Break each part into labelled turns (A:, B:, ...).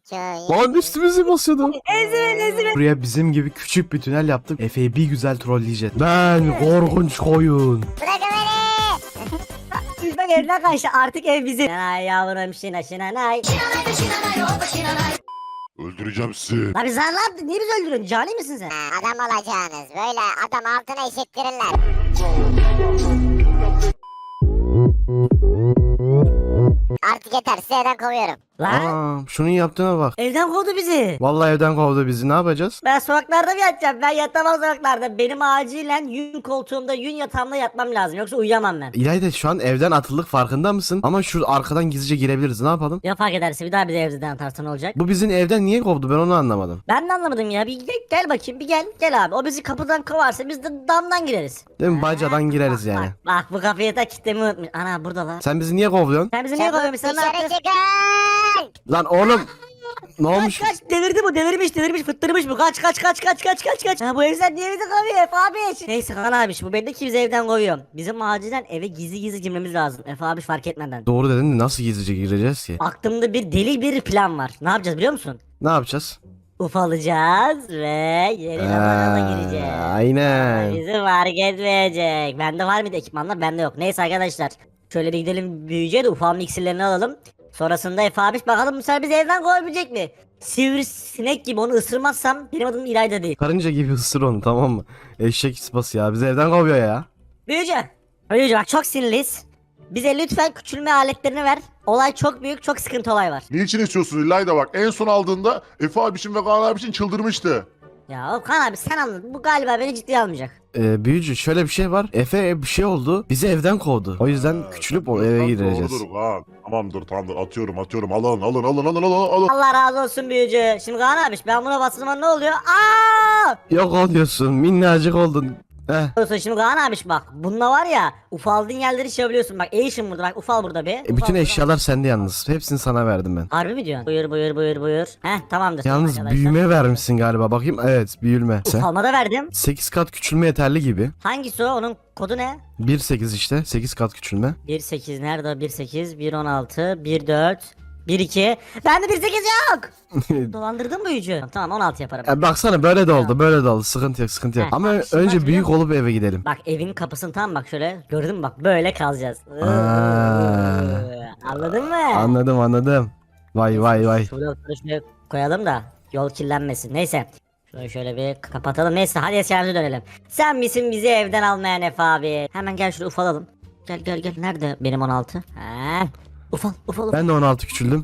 A: hikaye.
B: Lan üstümüze basıyordu.
C: Ezin.
B: Buraya bizim gibi küçük bir tünel yaptık. Efe'yi bir güzel trolleyeceğiz. Ben korkunç koyun.
A: Bırakın beni.
C: Biz bak evden kaçtı artık ev bizim. Ay yavrum şinanay.
D: Öldüreceğim sizi.
C: Abi sen ne yaptın? Niye bizi öldürüyorsun? Cani misin sen?
A: Adam olacağınız. Böyle adam altına eşittirirler. Artık yeter. Sizi evden kovuyorum.
C: Lan
B: Aa, şunun yaptığına bak.
C: evden kovdu bizi.
B: Vallahi evden kovdu bizi. Ne yapacağız?
C: Ben sokaklarda mı yatacağım? Ben yatamam sokaklarda. Benim acilen yün koltuğumda, yün yatağımda yatmam lazım. Yoksa uyuyamam ben.
B: İlayda şu an evden atıldık farkında mısın? Ama şu arkadan gizlice girebiliriz. Ne yapalım?
C: Ya fark ederse bir daha bizi evden atarsa ne olacak?
B: Bu bizim evden niye kovdu? Ben onu anlamadım.
C: Ben de anlamadım ya. Bir gel bakayım. Bir gel abi. O bizi kapıdan kovarsa biz de damdan gireriz.
B: Değil mi? Bacadan gireriz yani.
C: Bak bu kapıyı da kilitlemeyi unutmuş. Ana burada lan.
B: Sen bizi niye kovuyorsun?
C: Sen bizi niye kovuyorsun? Sen ne
A: Dışarı
C: yaptın?
A: çıkın.
B: Lan oğlum. Ne olmuş?
C: Kaç delirdi bu delirmiş fıttırmış bu kaç. Ha, bu evden niye bizi kovuyor Efe abi? Neyse Kaan abi bu belli ki bizi evden kovuyor. Bizim acilen eve gizli girmemiz lazım Efe abi fark etmeden.
B: Doğru dedin de nasıl gizlice gireceğiz ki?
C: Aklımda bir deli bir plan var. Ne yapacağız biliyor musun?
B: Ne yapacağız?
C: Ufalacağız ve yeni zamana gireceğiz.
B: Aynen.
C: Bizi fark etmeyecek. Bende var mıydı ekipmanlar? Bende yok. Neyse arkadaşlar. Şöyle bir gidelim büyüyeceğe de ufalma iksirlerini alalım. Sonrasında Efe abi bakalım bu sefer bizi evden kovabilecek mi? Sivrisinek gibi onu ısırmazsam benim adım İlayda değil.
B: Karınca gibi ısır onu, tamam mı? Eşek sıpası ya. Bizi evden kovuyor ya.
C: Büyücü. Büyücü bak çok sinirliyiz. Bize lütfen küçülme aletlerini ver. Olay çok büyük, çok sıkıntı olay var.
D: Niçin istiyorsun İlayda bak. En son aldığında Efe abişim ve Kaan abişim çıldırmıştı.
C: Ya Okan abi sen anladın. Bu galiba beni ciddiye almayacak.
B: Büyücü şöyle bir şey var. Efe bir şey oldu. Bizi evden kovdu. O yüzden küçülüp o eve gireceğiz.
D: Doğrudur Kaan. Tamamdır atıyorum. Alın.
C: Allah razı olsun büyücü. Şimdi Kaan abi ben buna bastığım zaman ne oluyor? Aa!
B: Yok oluyorsun. Minnacık oldun.
C: Olsun şimdi Kaan abi bak. Bununla var ya ufaldığın yerleri şey yapabiliyorsun. Bak Asian burada bak ufal burada bir.
B: Bütün
C: Ufal burada.
B: eşyalar sende yalnız. Hepsini sana verdim ben.
C: Harbi mi diyorsun? Buyur. Heh tamamdır.
B: Yalnız
C: arkadaşlar.
B: büyüme vermişsin galiba. Bakayım. Evet, büyülme. Sen
C: Ufalma da verdim.
B: 8 kat küçülme yeterli gibi.
C: Hangisi o? Onun kodu ne?
B: 1.8 işte. 8 kat küçülme.
C: 1.8 nerede o? 1.8, 1.16, 1.4, 1.2. Bende 1.8 yok. Dolandırdın büyücü. Tamam 16 yaparım.
B: Baksana böyle de oldu. Böyle de oldu. Sıkıntı yok.
C: Heh,
B: Ama
C: bak, şimdi
B: önce
C: bak,
B: büyük
C: biliyor
B: olup eve gidelim.
C: Bak evin kapısını tam bak şöyle gördün mü bak böyle kalacağız. Anladın mı?
B: Anladım. Vay.
C: Şuraya koyalım da yol kirlenmesin. Neyse. Şöyle bir kapatalım. Neyse hadi eserimize dönelim. Sen misin bizi evden almayan Efe abi? Hemen gel şuraya ufalalım. Gel. Nerede benim 16? He. Ufal.
B: Ben de 16 küçüldüm.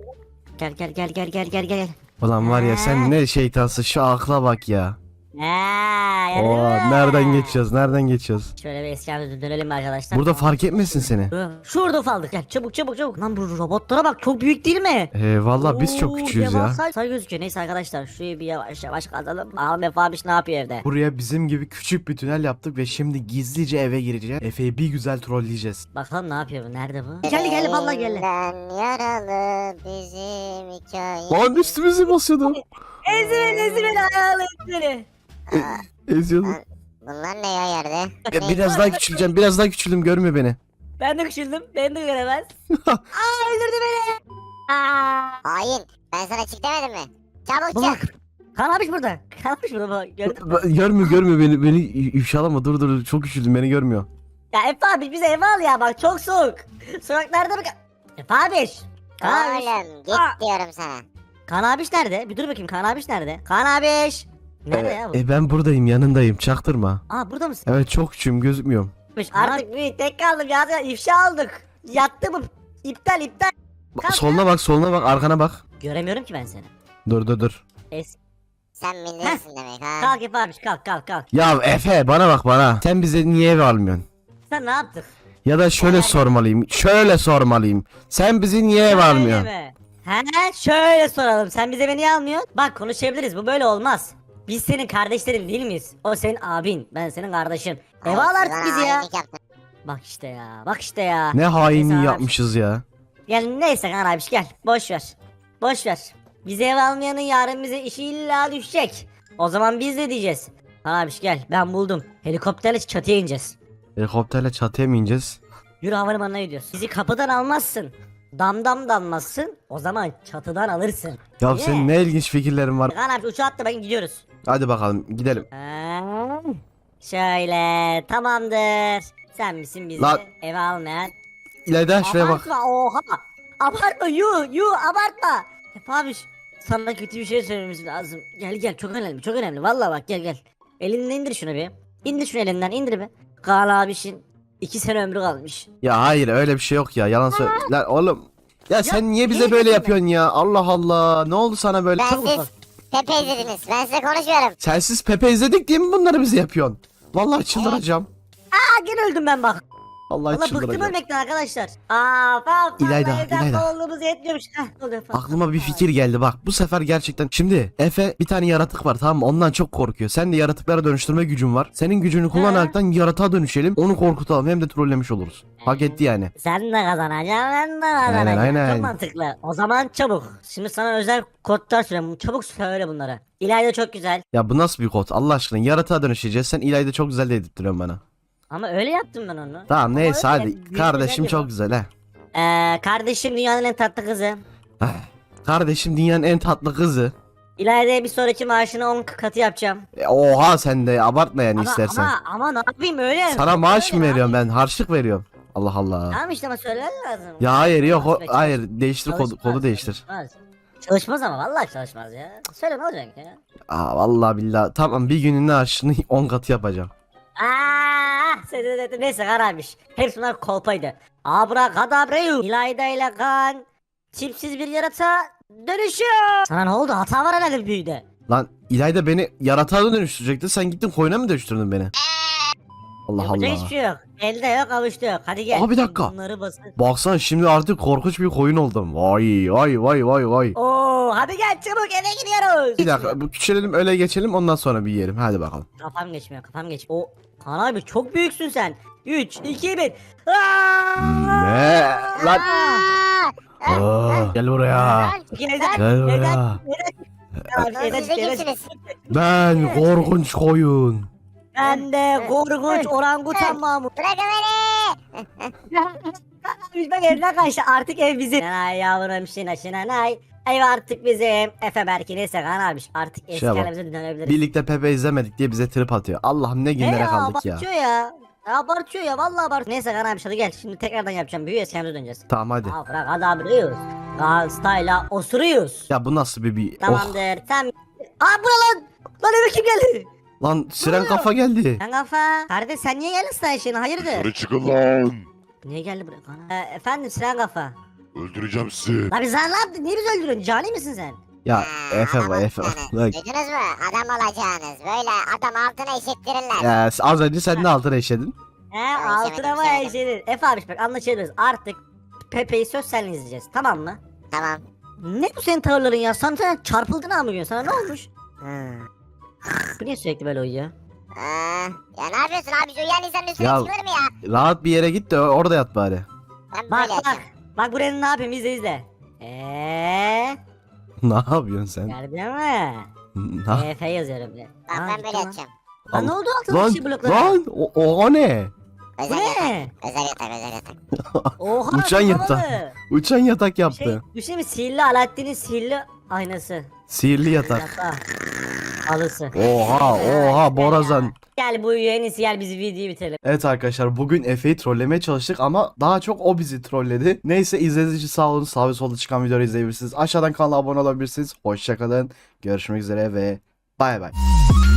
C: Gel.
B: Ulan var ya sen ne şeytansın, şu akla bak ya.
C: Gördün
B: Oo,
C: mü?
B: nereden geçiyoruz?
C: Şöyle bir eserimize dönelim arkadaşlar.
B: Burada fark etmesin seni.
C: Şurada ufaldık. Gel çabuk. Lan bu robotlara bak çok büyük değil mi?
B: Valla biz çok
C: Oo,
B: küçüğüz ya.
C: devasa gözüküyor. Neyse arkadaşlar şurayı bir yavaş kazalım. Bakalım Efe abiş ne yapıyor evde?
B: Buraya bizim gibi küçük bir tünel yaptık ve şimdi gizlice eve gireceğiz. Efe'yi bir güzel trolleyeceğiz.
C: Bakalım ne yapıyor bu? Nerede bu? Geldi vallahi geldi.
A: Elinden yaralı bizim hikaye.
B: Lan üstümüze basıyordu.
C: Ezin ayağını ezin.
B: Eziyordu.
A: Bunlar ne ya yerde?
B: Biraz daha küçüleceğim. Biraz daha küçüldüm, görmüyor beni.
C: Ben de küçüldüm. Beni de göremez. Aa öldürdü beni. Aa.
A: Hain. Ben sana çık demedim mi? Çabuk
C: Bak.
A: çık.
C: Kan abiş burada. Kan abiş burada bak. Gördün mü?
B: Görmüyor beni ifşalama, dur çok küçüldüm, beni görmüyor.
C: Ya Efe abiş bize eve al ya bak çok soğuk. Sokaklarda bak. Efe abiş. Kan abiş.
A: Oğlum git
C: Aa.
A: diyorum sana.
C: Kan abiş nerede? Bir dur bakayım Kan abiş nerede? Kan abiş. Nerede ya bu?
B: Ben buradayım, yanındayım, çaktırma.
C: Aa burada mısın?
B: Evet, çok küçüğüm, gözükmüyorum.
C: Artık bir tek kaldım ya ifşa aldık. Yattı bu. İptal. Kalk.
B: Soluna bak, arkana bak.
C: Göremiyorum ki ben seni.
B: Dur.
A: Sen bilirsin demek ha.
C: Kalk Efe abiş kalk.
B: Ya Efe, bana bak bana. Sen bize niye eve almıyorsun?
C: Sen ne yaptık?
B: Ya da şöyle sormalıyım. Sen bizi niye eve almıyorsun?
C: He şöyle soralım. Sen bize beni niye almıyorsun? Bak konuşabiliriz. Bu böyle olmaz. Biz senin kardeşlerin değil miyiz? O senin abin. Ben senin kardeşin. Eve al artık
A: Bana
C: bizi ya.
A: hainlik yaptın.
C: Bak işte ya.
B: Ne hainliği
C: Neyse abi.
B: yapmışız ya.
C: Gel neyse kan abiş gel. Boş ver. Bizi eve almayanın yarın bize işi illa düşecek. O zaman biz de diyeceğiz. Kan abiş gel ben buldum. Helikopterle çatıya ineceğiz.
B: Helikopterle çatıya mı ineceğiz?
C: Yürü havalimanına gidiyoruz. Bizi kapıdan almazsın. damdam dalmazsın. O zaman çatıdan alırsın.
B: Ya
C: Niye?
B: senin ne ilginç fikirlerin var.
C: Kaan abi uçağa atla bakın gidiyoruz.
B: Hadi bakalım gidelim.
C: Şöyle tamamdır. Sen misin bizi
B: Lan.
C: eve almayan?
B: İlayda şuraya bak.
C: Abartma oha. Abartma yu abartma. Efe abi sana kötü bir şey söylememiz lazım. Gel çok önemli çok önemli. Vallahi bak gel. Elinden indir şunu bir. İndir şunu elinden indir bir. Kaan abişin 2 sene ömrü kalmış.
B: Ya hayır öyle bir şey yok ya. Yalan söyle. Lan oğlum. Ya sen niye bize
C: niye
B: böyle
C: getirme?
B: yapıyorsun ya? Allah Allah. Ne oldu sana böyle?
A: Ben siz Pepe izlediniz. Ben size konuşuyorum.
B: Sensiz Pepe izledik diye mi bunları bize yapıyorsun? Vallahi çıldıracağım.
C: Aa gene öldüm ben bak.
B: Vallahi
C: Valla bıktım
B: çıldıracağım.
C: ölmekten arkadaşlar. Aa
B: İlayda,
C: evden
B: İlayda.
C: kovulduğumuz yetmiyormuş. Heh, oluyor falan.
B: Aklıma bir fikir geldi bak. Bu sefer gerçekten. Şimdi Efe bir tane yaratık var tamam mı? Ondan çok korkuyor. Sen de yaratıklara dönüştürme gücün var. Senin gücünü kullanaraktan yaratığa dönüşelim. Onu korkutalım. Hem de trollemiş oluruz. Hak etti yani.
C: Sen de kazanacaksın ben de kazanacağım.
B: aynen.
C: Çok mantıklı. O zaman çabuk. Şimdi sana özel kodlar söyleyeyim. Çabuk söyle bunları. İlayda çok güzel.
B: Ya bu nasıl bir kod? Allah aşkına yaratığa dönüşeceğiz. Sen İlayda çok güzel dedirtiyorsun bana.
C: Ama öyle yaptım ben onu.
B: Tamam
C: Ama
B: neyse
C: öyle
B: hadi.
C: güzel
B: Kardeşim
C: yapıyorum.
B: çok güzel he.
C: Kardeşim dünyanın en tatlı kızı.
B: Kardeşim dünyanın en tatlı kızı.
C: İlayda'ya bir sonraki maaşını 10 katı yapacağım.
B: Oha sen de abartma yani istersen.
C: Ama ne yapayım öyle.
B: Sana maaş
C: Öyle
B: mı
C: abi.
B: veriyorum ben? Harçlık veriyorum. Allah Allah.
C: Tamam işte ama söylemen lazım.
B: Ya hayır yok
C: Çalışmaz be,
B: hayır değiştir
C: çalışmaz,
B: kodu değiştir.
C: Çalışmaz. Çalışmaz ama vallahi çalışmaz ya. Söyle ne olacak ya?
B: Aa vallahi billahi tamam bir günün harçlığını 10 katı yapacağım.
C: Neyse kararmış. Hepsi bunlar kolpaydı. Abrakadabreyu. İlayda ile kan. Tipsiz bir yaratığa dönüşüyor. Sana ne oldu? Hata var herhalde büyüde.
B: Lan İlayda beni yaratığa dönüştürecekti sen gittin koyuna mı dönüştürdün beni? Allah
C: Yapacak
B: Allah.
C: hiçbir şey yok. Elde yok avuçta yok. Hadi gel.
B: Aa, bir dakika.
C: Bunları basın.
B: Baksana şimdi artık korkunç bir koyun oldum. Vay.
C: Oo, hadi gel çabuk eve gidiyoruz.
B: Bir dakika bu küçülelim öyle geçelim ondan sonra bir yiyelim hadi bakalım.
C: Kafam geçmiyor. O Kaan abi çok büyüksün sen. 3, 2, 1.
B: Ne? Lan. Gel buraya. Gel buraya.
A: Siz de kimsiniz?
B: Ben korkunç koyun.
C: Ben de korkunç orangutan Mahmut.
A: Bırakın beni.
C: Biz bak evden kaçtı artık ev bizim. Ay yavrum şinay. Ev artık bizim. Efe belki neyse Kaan abi artık eski
B: Şuna bak.
C: halimize dönebiliriz.
B: Birlikte Pepe izlemedik diye bize trip atıyor. Allah'ım ne günlere kaldık ya.
C: Abartıyor ya. Abartıyor ya vallahi abartıyor. Neyse Kaan abi hadi gel şimdi tekrardan yapacağım. Büyüye eskimize döneceğiz.
B: Tamam hadi.
C: Bırak adamlıyız. Kaan style'a osuruyoruz.
B: Ya bu nasıl bir
C: Tamamdır. Sen... Aa bu ne lan? Lan eve kim geldi?
B: Lan siren kafa geldi.
C: Sen kafa. Kardeş sen niye geldin stajyerine hayırdır?
D: Dışarı çıkın lan.
C: Niye geldi buraya? Efendim Sinan kafa.
D: Öldüreceğim sizi.
C: Lan biz sen ne yaptın? Niye bizi öldürüyorsun? Cani misin sen?
B: Ya Efe
A: Adam
B: bak Efe.
A: olacağınız.
B: Bak.
A: Duydunuz mu? Adam olacağınız. Böyle adam altına eşittirirler.
B: Ya, az önce sen de altına işledin.
C: He
A: Ben
C: altına
A: işemedim,
C: mı
A: işemedim.
C: işledin? Efe abi bak anlaşabiliriz. Artık Pepe'yi söz seninle izleyeceğiz. Tamam mı?
A: Tamam.
C: Ne bu senin tavırların ya? Sen çarpıldın ha bugün. Sana ne olmuş?
A: Hmm.
C: Bu niye sürekli böyle uyuyor?
A: Ya ne yapıyorsun abi? Uyan insanın üstüne
B: Ya-
A: çıkılır mı ya?
B: Rahat bir yere git de orada yat bari.
A: Ben
C: Bak
A: böyle
C: bak.
A: yapacağım.
C: Bak buraya ne yapayım izle.
B: Ne yapıyorsun sen?
C: Gördün mü?
B: Na-
C: Efe yazıyorum bir.
A: Bak
C: Aa,
A: ben
C: gitti
A: böyle
C: lan.
A: yapacağım.
C: Lan ne oldu altına
B: Lan
C: şey bloklara?
B: lan o ne?
C: Bu
A: Özel
C: ne?
A: yatak. Özel yatak. Özel yatak.
C: Oha.
B: Uçan
C: çok
B: yatak.
C: havalı.
B: Uçan yatak
C: Şey,
B: yaptı.
C: düşünsene mi? Sihirli Alaaddin'in sihirli aynası.
B: Sihirli yatak.
C: Yatağı. Alısı.
B: Oha Borazan.
C: Gel bu en iyisi gel bizi videoyu bitirelim.
B: Evet arkadaşlar bugün Efe'yi trollemeye çalıştık ama daha çok o bizi trolledi. Neyse izlediğiniz için sağ olun. Sağ ve solda çıkan videoları izleyebilirsiniz. Aşağıdan kanala abone olabilirsiniz. Hoşçakalın. Görüşmek üzere ve bay bay.